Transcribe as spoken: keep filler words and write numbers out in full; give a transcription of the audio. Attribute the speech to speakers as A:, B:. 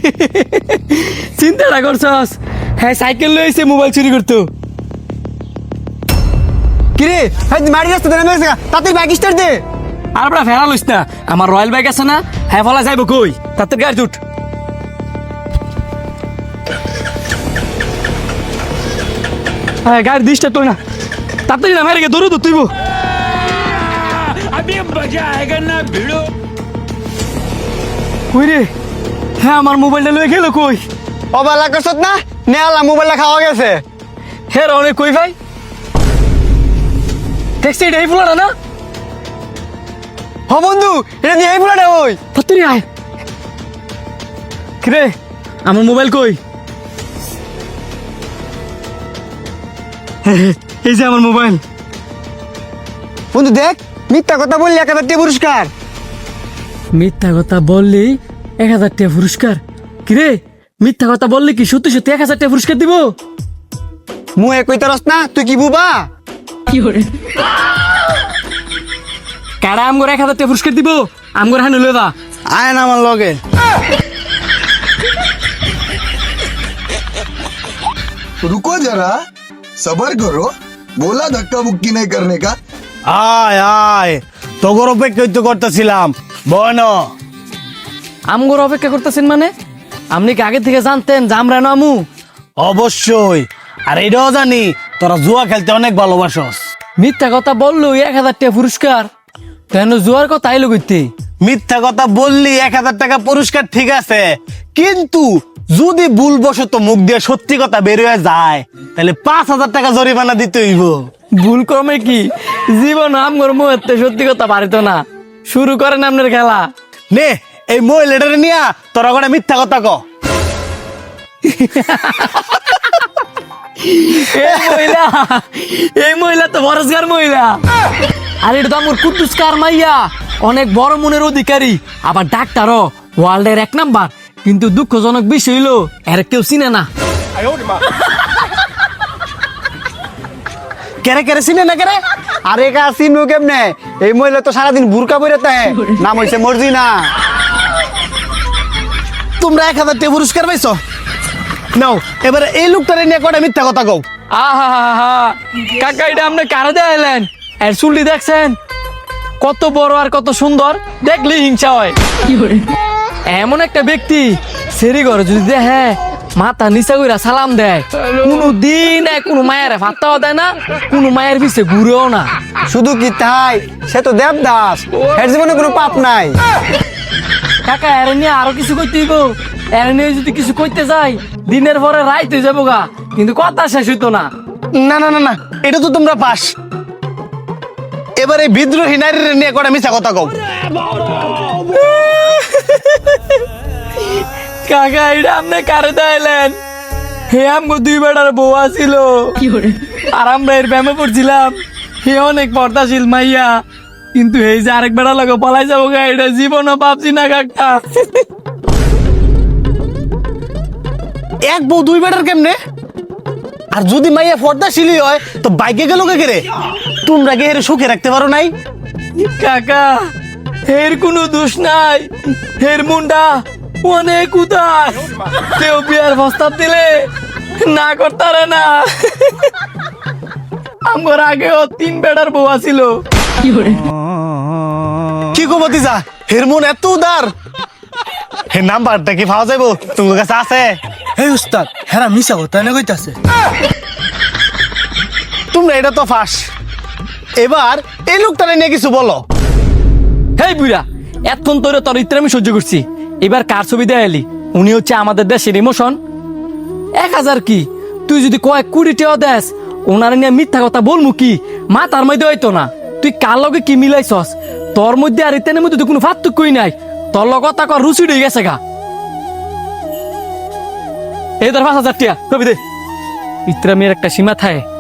A: চিন্তাটা করছস? হ্যাঁ, সাইকেল লইছে মোবাইল চুরি করতো।
B: কিরে ভাই মারি রাস্তা দেনা মেরেছে তাতে বাইক স্টার্ট দে।
A: আর আমরা ফেরা লইস না, আমার রয়্যাল বাইক আছে না, হ্যাঁ ফলা যাইব কই? তাতে গাড়ি উঠ। হ্যাঁ, গাড়ি দিসটা তো না, তাড়াতাড়ি না মেরে গে দৌড়ো তো তুইব।
C: अभी मजा आएगा ना भिड़ो।
A: কই রে? হ্যাঁ, আমার মোবাইলটা লয়ে গেল কই?
B: অবালা করছত না নেলা মোবাইলটা খাওয়া গেছে।
A: হ্যাঁ অনেক কই ভাই, দেখছি এটা এই ফুলাটা না?
B: হ বন্ধু এটা নিয়ে এই ফুলাটা ওই
A: তাড়াতাড়ি আয়। কিরে আমার মোবাইল কই? এই যে আমার মোবাইল।
B: বন্ধু দেখ মিথ্যা কথা বললি এক হাজার টাকা পুরস্কার।
A: মিথ্যা কথা বললি এক হাজার টাকা পুরস্কার? কিরে মিথ্যা কথা বললি কি সত্যি সত্যি এক হাজার টাকা পুরস্কার দিব?
B: মুয়ে কইতে রস না তুই কি বুবা?
A: কারা আমগর এক হাজার টাকা পুরস্কার দিব? আমগর হানি লয়ে দা।
B: আয় না আমার লগে।
D: रुको जरा सबर करो बोला धक्का मुक्की नहीं करने का।
E: আয় আয় তোর অপেক্ষাই তো করতেছিলাম বন।
A: আমগর অপেক্ষা করতেছেন মানে? আপনি কি আগে থেকে জানতেন যে আমরা নামু?
E: অবশ্যই, আর এটাও জানি তোরা জুয়া খেলতে অনেক ভালোবাসস।
A: মিথ্যা কথা বললো এক হাজার টাকা পুরস্কার, কেন জুয়ার কথা আইলো কইতে?
E: মিথ্যা কথা বললি এক হাজার টাকা পুরস্কার ঠিক আছে, কিন্তু যদি ভুলবশত মুখ দিয়ে সত্যি কথা বের হয়ে যায় তাহলে পাঁচ হাজার টাকা জরিমানা দিতে হইব।
A: ভুল ক্রমে কি জীবন আমগর মুহূর্তে সত্যি কথা পারিত না। শুরু করেন আপনার খেলা।
E: নে এই মহিলাটারে নিয়া তোরা করে মিথ্যা কথা ক।
A: এই মহিলা, এই মহিলা তো বরজগার মহিলা। আর এটা তো আমার কুদ্দুসকার মাইয়া, অনেক বড় মনের অধিকারী, আবার ডাক্তারও, ওয়ার্ল্ডের এক নাম্বার। কিন্তু দুঃখজনক বিষয় হইলো এর কেউ চিনে না।
B: কেরে কেরে চিনে না কেরে? আরে কা চিনবো কেমনে? এই মহিলা তো সারাদিন বুরকা পরে তাহে, নাম হইছে মর্জিনা।
E: তোমরা এক হাজার টাকা পুরস্কার পাইছো, নাও এবারে এই লোকটারে নিয়ে কটা মিথ্যা কথা কও।
A: আহা কাকা, এটা আপনি কারে দেখাইলেন? এর চুলটি দেখছেন কত বড় আর কত সুন্দর, দেখলে হিংসা হয়। এমন একটা ব্যক্তি সেরি ঘরে যদি দেখে মাথা নিচা কইরা সালাম দেয়, কোনো দিন কোনো মায়ের ভাত্তাও দেয় না, কোনো মায়ের পিছে ঘুরেও না।
B: শুধু কি তাই, সে তো দেবদাস, এর জীবনে কোনো পাপ নাই।
A: কাকা এর নিয়ে আরো কিছু কইতে হইব। এর নিয়ে যদি কিছু কইতে যাই দিনের পরে রাইতে যাবো গা, কিন্তু কথা শেষ হইতো না।
E: না না না না, এটা তো তোমরা পাস। এবারে বিদ্রোহী নারীর নিয়ে কটা মিথ্যা কথা কও।
A: কাকা এটা আপনি কারে দেখাইলেন? হে আমগো দুই বেটার বউ আছিল, আর আমরা এর ব্যায়ামে পড়ছিলাম। হে অনেক পর্দাশীল মাইয়া, কিন্তু এই যে আরেক বেড়া লাগে পলাই যাবো গা, এটা জীবনও ভাবছি না কাকা।
E: এক বউ দুই বেটার কেমনে? আর যদি মাইয়া পর্দাশীলি হয় তো বাইকে গেল কে রে? তোমরা কে হেরে সুখে রাখতে পারো নাই?
A: কাকা এর কোনো দোষ নাই, এর মুন্ডা অনেক উদাস, কেউ বিয়ার প্রস্তাব দিলে না করতারে না। আমার আগেও তিন বেটার বউ আছিল।
E: কি গো ভতিজা, হের মন এত উদার? হে নাম্বারটা কি পাওয়া যাইব তোমার কাছে আছে?
B: এই উস্তাদ হেরা মিশা কথা না কইতাছে।
E: তোমরা এটা তো ফাঁস। এবার এই লোকটারে নিয়ে কিছু বলো।
A: হেই বুড়া, এতক্ষণ তোরে তোর ইত্রে আমি সহ্য করছি, এবার কার ছবি দেখাইলি? উনি হচ্ছে আমাদের দেশের ইমোশন। এক হাজার কি, তুই যদি কয়েক কোটি টাকা দেস, ওনার নিয়ে মিথ্যা কথা বলমু কি? মা তার মধ্যে হইতো না। তুই কার লগে কি মিলাইছস? তোর মধ্যে আর ইত্যানের মধ্যে তো কোনো পার্থক্যই নাই। তোর লগ কথা কর রুচি হয়ে গেছে গা। এই ধর পাঁচ হাজার টাকা ছবি দে। ইত্রা মেয়ের একটা সীমা থাকে।